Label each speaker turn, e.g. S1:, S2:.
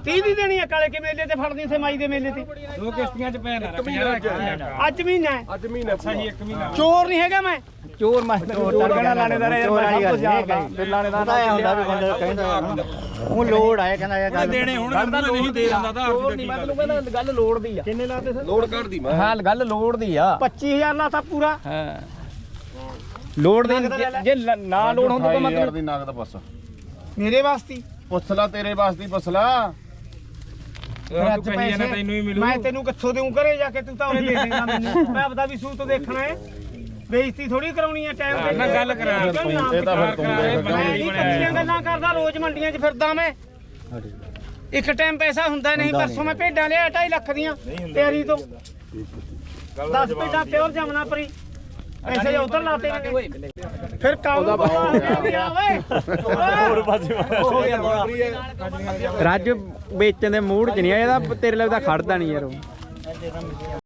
S1: 30 ਦੀ ਦੇਣੀ ਆ ਕਾਲੇ ਕੇ ਮੇਲੇ ਤੇ ਫੜਦੀ ਉੱਥੇ ਮਾਈ ਦੇ ਮੇਲੇ ਤੇ
S2: 2 ਕਿਸ਼ਤੀਆਂ ਚ ਪੈ ਨਾ
S1: ਅੱਜ ਮਹੀਨਾ ਹੈ
S3: ਅੱਜ ਮਹੀਨਾ
S2: ਅੱਛਾ ਜੀ 1 ਮਹੀਨਾ
S1: ਚੋਰ ਨਹੀਂ ਹੈਗਾ ਮੈਂ
S4: ਚੋਰ ਮੈਂ ਤੜਕਣਾ ਲਾਣੇਦਾਰ ਯਾਰ ਸਭ ਕੁਝ ਜਾਣਦਾ ਫਿਰ ਲਾਣੇਦਾਰ ਦਾ ਹੁੰਦਾ ਵੀ ਬੰਦਾ ਕਹਿੰਦਾ ਉਹ ਲੋੜ ਆਇਆ ਕਹਿੰਦਾ ਯਾਰ ਗੱਲ
S2: ਦੇਣੇ ਹੁਣ ਨਹੀਂ ਦੇ ਦਿੰਦਾ ਤਾਂ
S4: ਨਹੀਂ ਮੈਂ ਤੈਨੂੰ ਕਹਿੰਦਾ ਗੱਲ ਲੋੜ ਦੀ ਆ
S1: ਕਿੰਨੇ ਲਾਤੇ ਸਰ
S3: ਲੋਡ ਕੱਢਦੀ ਮੈਂ
S4: ਹਾਂ ਗੱਲ ਲੋੜ ਦੀ ਆ
S1: 25000 ਲਾਤਾ ਪੂਰਾ
S4: ਹਾਂ ਲੋੜ ਦੀ ਜੇ ਨਾ ਲੋੜ ਹੁੰਦੀ ਤਾਂ ਮਤਲਬ
S3: ਦੀ ਨਗਦ ਬਸ
S1: ਮੇਰੇ ਵਾਸਤੇ
S3: ਪੁੱਛ ਲਾ ਤੇਰੇ ਵਾਸਤੇ ਪੁੱਛ ਲਾ
S1: ਅੱਜ ਪੈਸੇ
S2: ਤੈਨੂੰ ਹੀ ਮਿਲੂ
S1: ਮੈਂ ਤੈਨੂੰ ਕਿੱਥੋਂ ਦੇਉਂ ਘਰੇ ਜਾ ਕੇ ਤੂੰ ਤਾਂ ਉਹਨੇ ਦੇ ਦੇਗਾ ਮੈਨੂੰ ਮੈਂ ਆਪਦਾ ਵੀ ਸੂਤ ਦੇਖਣਾ ਹੈ ਬੇਇੱਜ਼ਤੀ ਥੋੜੀ ਕਰਾਉਣੀ ਹੈ ਟਾਈਮ ਤੇ
S2: ਨਾ ਗੱਲ ਕਰਾ
S3: ਇਹ ਤਾਂ ਫਿਰ ਤੂੰ ਦੇਖ
S1: ਮੈਂ ਨਹੀਂ ਕੱਚੀਆਂ ਗੱਲਾਂ ਕਰਦਾ ਰੋਜ਼ ਮੰਡੀਆਂ 'ਚ ਫਿਰਦਾ ਮੈਂ ਇੱਕ ਟਾਈਮ ਪੈਸਾ ਹੁੰਦਾ ਨਹੀਂ ਪਰਸੋਂ ਮੈਂ ਭੇਡਾਂ ਲਿਆ 2.5 ਲੱਖ ਦੀਆਂ ਤਿਆਰੀ ਤੋਂ 10 ਭੇਡਾਂ ਪਿਓਰ ਜਮਨਾ ਪਰੀ ਪੈਸੇ ਉਧਰ ਲਾਤੇ ਨੇ ਫਿਰ ਕਾਉ
S4: ਰੱਜ ਵੇਚਣ ਦੇ ਮੂਡ 'ਚ ਨਹੀਂ ਆ ਇਹਦਾ ਤੇਰੇ ਲਈ ਤਾਂ ਖੜਦਾ ਨਹੀਂ ਯਾਰ ਉਹ